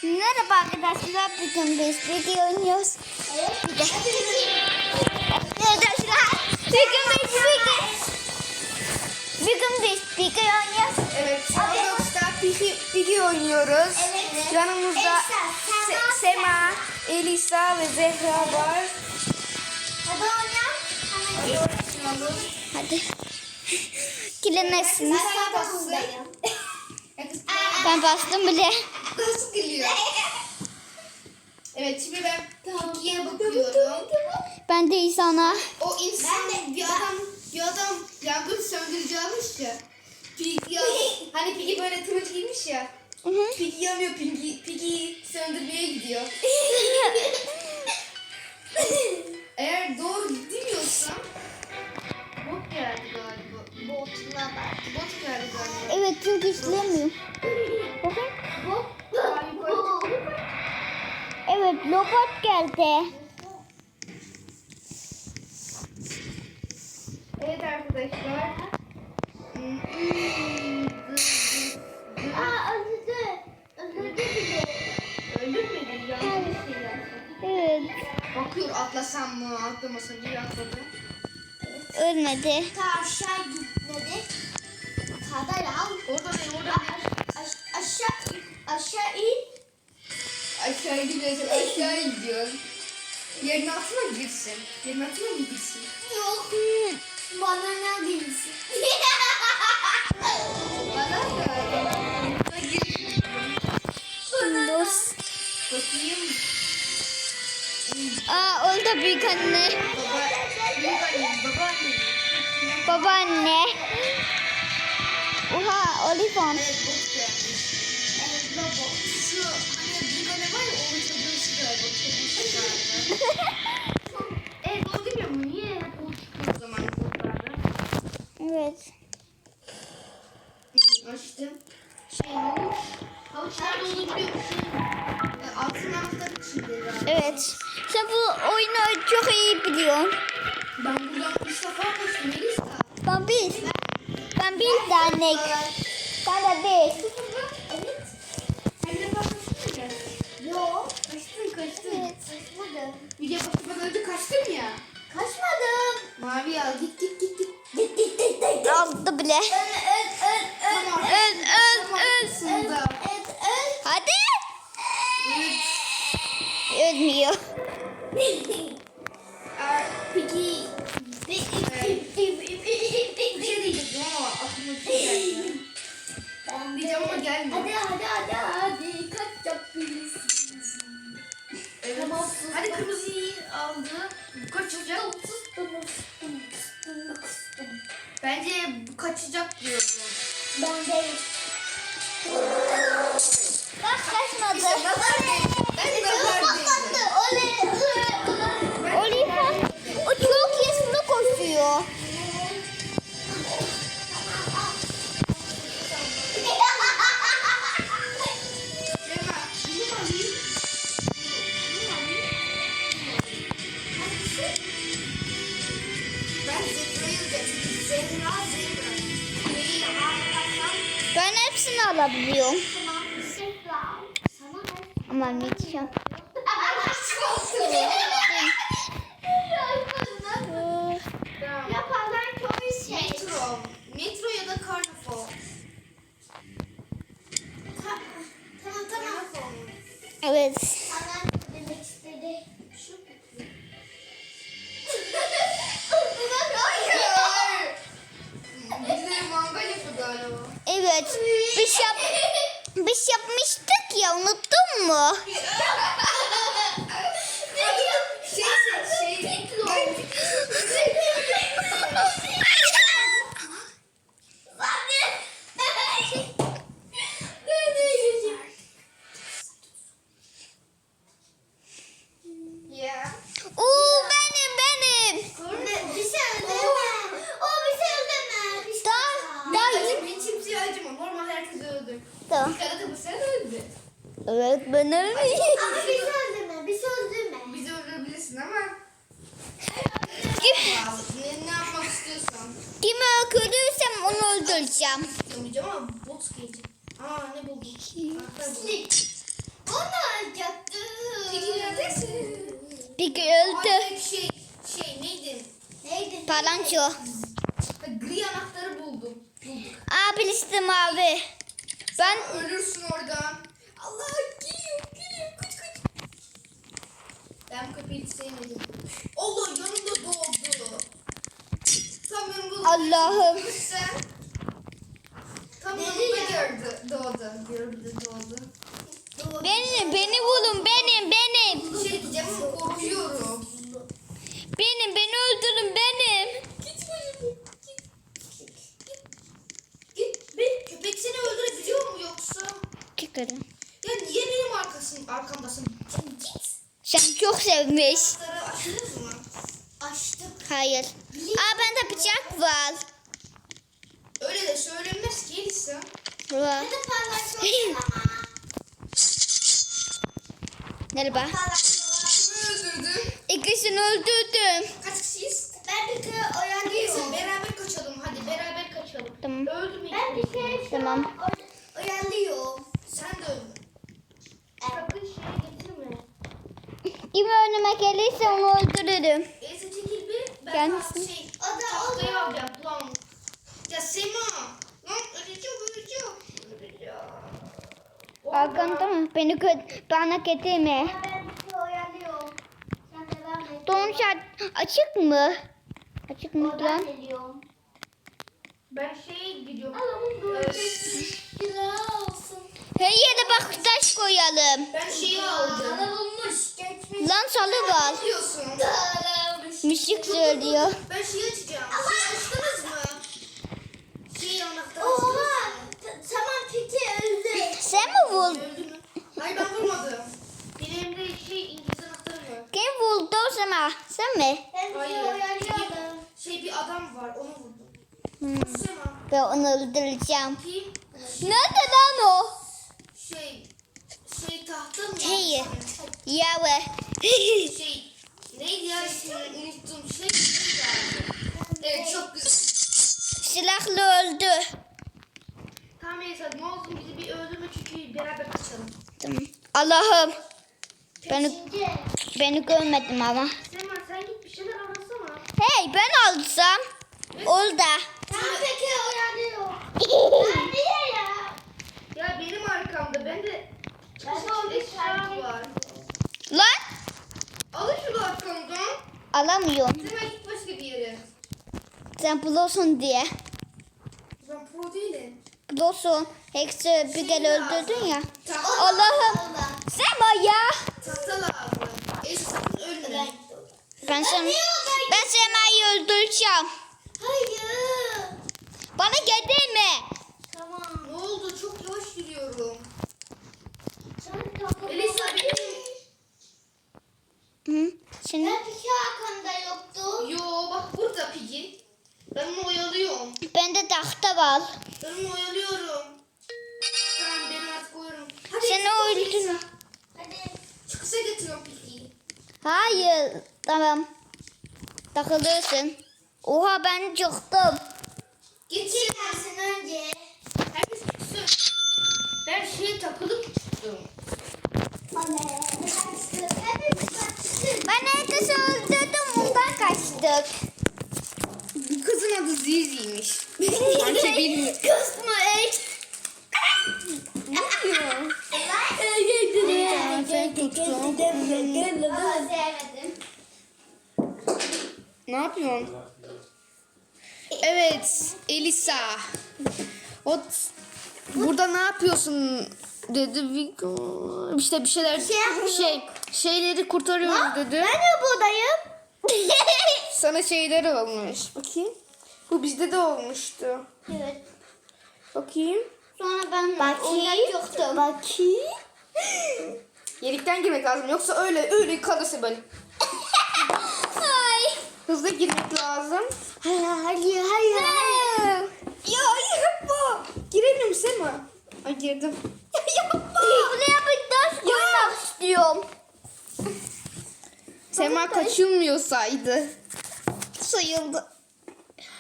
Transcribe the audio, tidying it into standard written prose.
Merhaba arkadaşlar, bugün biz Piggy oynuyoruz. Evet. Arkadaşlar, bugün biz Piggy oynuyoruz. Evet, Roblox'ta Piggy oynuyoruz. Evet. Yanımızda Sema, Elisa ve Zehra var. Hadi oynayalım. Hadi. Kilemezsiniz. Ben bastım bile. Nasıl geliyor? Evet, şimdi ben Piggy'ye bakıyorum. Ben de İsa'na. O insan bir adam yangın söndürücü almış ya. Piggy hani Piggy böyle turuncu giymiş ya. Piggy yanıyor, Piggy söndürmeye gidiyor. Eğer doğru bilmiyorsam bot geldi galiba. Bot geldi galiba. Evet, çünkü işlemiyor. Evet, robot geldi. Evet arkadaşlar. Öldürdü bile. Öldürmedi ya. Evet. Bakıyor, atlasam mı atlamasam diye atladı. Ölmedi. Aşağı gitmedi. Kadar al. Orada ne? Aşağı in. Aşağı gidiyorsun, aşağı gidiyorsun. Yerin altına mı girsin? Yerin altına mı girsin? Yok. Bana ne bilsin? Bana da. Buna girsin. Windows. Bakayım. Orada büyük anne. Babaanne. Babaanne. Oha, Olifant. Evet, bot gelmiş. Evet, baba. Şu hani büyük anne var ya, onun çocuğu şu galiba. Çocuğu şu galiba. Evet, o demiyor mu? Niye hep o çıkıyor o zaman botlarda? Evet. Açtım. Havuç. Havuç nerede olduğunu biliyor musun? Altın anahtarı içinde galiba. Evet. Sen bu oyunu çok iyi biliyorsun. Ben buradan 3 defa koştum Elisa. Ben bir tane. Ben de bir. Evet. Sen de koştun mu? Yok. Kaçtın. Evet. Kaçmadım. Video bakmadan önce kaçtın ya. Kaçmadım. Mavi al, git. Git. Aldı bile. Tamam. Öl. Sında. Hadi. Evet. Ölmüyor. Peki. Bir şey diyecektim ama aklıma bir şey geldi. Diyeceğim ama gelmiyor. Hadi. Kaç yapıyorsun? Evet. Tamam. Hadi kırmızıyı aldı. Bu kaçacak. Bence bu kaçacak diyorum. Ben de. Bak kaçmadı. İşte nazar değdi. Ben nazar değdi. Olifant. O çok hızlı koşuyor. Lema, bunu alayım. Ben Zehra'yı getirdim. Zehra. Ben hepsini alabiliyorum. Ama Mitchell. Metro ya da Carnival. Tamam. Evet. Annem demek istedi. Bizleri manga yapıyor galiba. Evet. Biz yapmıştık ya, unuttun mu? Ya. Oo, benim. Ben kimseye acımam. Normal herkes öldü. Tamam. Dikkat et, bu sen öldü. Evet, ben ölmeyeyim. Bizi öldürme. Bizi öldürebilirsin ama Kim, ne yapmak istiyorsan. kimi öldürürsem onu öldüreceğim. İstemeyeceğim ama bot gelecek. Ne buldun? Anahtar buldum. Onu Piggy öldü. Ay, neydi? Neydi? Palanço. Ha, gri anahtarı bulduk. Aa birisi mavi. Ben Ölürsün oradan. Allah geliyor. Kaç. Ben bu kapıyı hiç sevmedim. Allah yanımda doğdu. Tam yanımda Allah'ım. Sen. Tam yanımda doğdu. Beni bulun benim. Bir şey diyeceğim ama korkuyorum. Beni öldürün benim. Git başımdan. Git. Köpek seni öldürebiliyor mu yoksa? Çıkarım. Ya niye benim arkamdasın? Git. Sen çok sevmiş. Anahtarı açtınız mı? Açtım. Hayır. Aa bende bıçak var. Öyle de söylenmez ki Elisa. Var. Hadi paylaşalım ama. Merhaba. Kimi öldürdün? İkisini öldürdüm. Kaç kişiyiz? Ben bir kere Neyse oyalıyorum. beraber kaçalım. Hadi beraber kaçalım. Tamam. Öldü mü? Ben bir kere şu Tamam. an oyalıyorum. Sen de öldün. Sakın şeye getirme. Kim önüme gelirse onu öldürürüm. Elisa çekil bir. Ben Gelmesin. O da tahtayı alacağım. Lan. Ya Sema. Lan öleceğim. Arkanda mı? Bana getirme. Ben bir kere oyalıyorum. Sen devam et. Don açık mı? Açık mı Oradan lan? geliyorum. Ben şeye gidiyorum. Allah'ım böyle güzel olsun. Her yere bak taş koyalım. Ben şeyi aldım. Bana bulmuş. Geçmiş. Lan salı var. Ne diyorsun? Dağılmış. Müzik söylüyor. Ben şeyi açacağım. Şeyi açtınız mı? Şeyi anahtarı Oha. Tamam peki öldü. Sen mi vurdun? Öldü mü? Hayır ben vurmadım. Benim elimde İngiliz anahtarı var. Kim vurdu o zaman? Sen mi? Ben bir Hayır. kere oyalıyorum. Bir adam var onu vurdum. Sema. Ben onu öldüreceğim. Kim? Nerede lan o? Tahta mı? Hey. Yave. Neydi ya ismini unuttum. Evet çok güzel. Silahlı öldü. Tamam Elisa ne olsun bizi bir öldürme çünkü beraber kaçalım. Tamam. Allah'ım. Şimdi. Beni görmedim ama. Sema sen git bir şeyler arasana. Hey ben alsam. Orada. Tamam peki oyalıyorum. Ben niye ya? Ya benim arkamda ben de Ben çok eşya var. Lan Alın şunu arkamdan. alamıyorum. Sema git başka bir yere. Sen bulursun diye. Ben pro değilim. Bulursun. Hepsi bir kere öldürdün ya. Tahta, Allah'ım. Sen ya. tahta lazım. Elisa sakın ölme. Ben Sema'yı öldüreceğim. Hayır. Bana getirme. Tamam. Ne oldu? Çok yavaş yürüyorum. Sen takıl. Elisa benim... Hı? Şimdi Ben bir şey arkamda yoktu. Yo bak burada Piggy. Ben onu oyalıyorum. bende tahta var. Ben onu oyalıyorum. Tamam ben artık oyarım. Hadi Sen Elisa, öldün. Elisa. Hadi. Çıkışa getiriyorum Piggy'yi. Hayır. Tamam. Takılırsın. Oha ben çıktım. Geçin. Çıkarsın önce. Herkes çıksın. Ben şeye takılıp çıktım. Ben herkesi öldürdüm. Ondan kaçtık. Bu kızın adı Zizi'ymiş. Sanki bilmiyorum. Kız mı? Ne oluyor? Sevmedim. Ne yapıyorsun? Evet, Elisa. Burada ne yapıyorsun dedi Vigo. İşte bir şeyler şeyleri kurtarıyoruz dedi. Ben de buradayım. Sana şeyler olmuş. Bakayım. Bu bizde de olmuştu. Evet. Bakayım. Sonra ben Bakayım. Bakayım. Yelikten girmek lazım yoksa öyle kalırsın böyle. Ay. Hızlı girmek lazım. Hayır. Ya yapma. Girelim Sema. Ay girdim. Yapma. Buraya bir taş koymak istiyorum. Sema kaçılmıyorsaydı. Sayıldı.